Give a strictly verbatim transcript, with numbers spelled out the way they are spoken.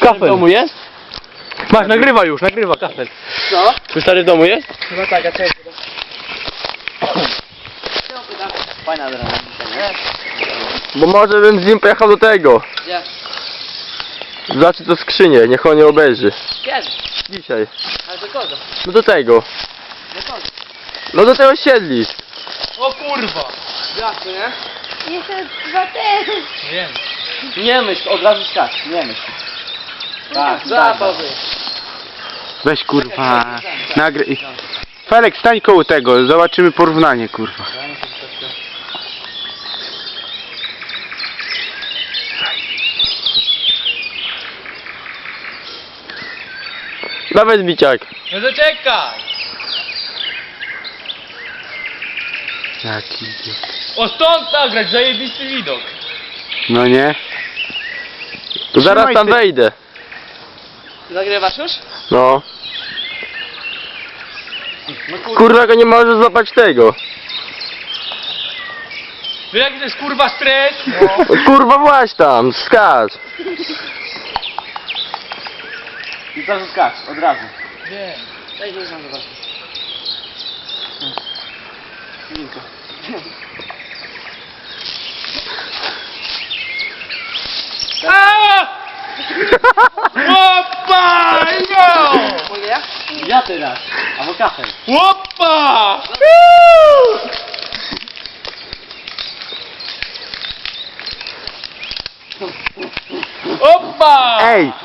stary w domu jest? Masz, nagrywa już, nagrywa kafel. Co? Twój stary w domu jest? No tak, a co? Fajna drama. Bo może bym z nim pojechał do tego. Gdzie? Zobaczy to skrzynię, niech on nie obejrzy. Kiedy? Dzisiaj. Ale do kogo? No do tego. Do kogo? No do tego osiedli. O kurwa! Jak to, nie? Jeszcze dwa te. Wiem. Nie myśl, od razu skacz, nie myśl. Tak, Za to wy. Weź kurwa, nagry... Felek, stań koło tego, zobaczymy porównanie kurwa. Nawet biciak. No zaczekaj! Jaki idiot. O stąd nagrać, zajebisty widok. No nie? To zaraz tam wejdę. Nagrywasz już? No. Kurwa, go nie możesz złapać tego. Wiesz jaki to jest kurwa stres? No, kurwa właź tam, skacz. I od razu skacz, od razu. Wiem. Daj się tam zobaczyć. Linko. Aaaa! Łopa! Yo! Mogę ja? Ja teraz, albo kafel. Łopa! Opa! Ej!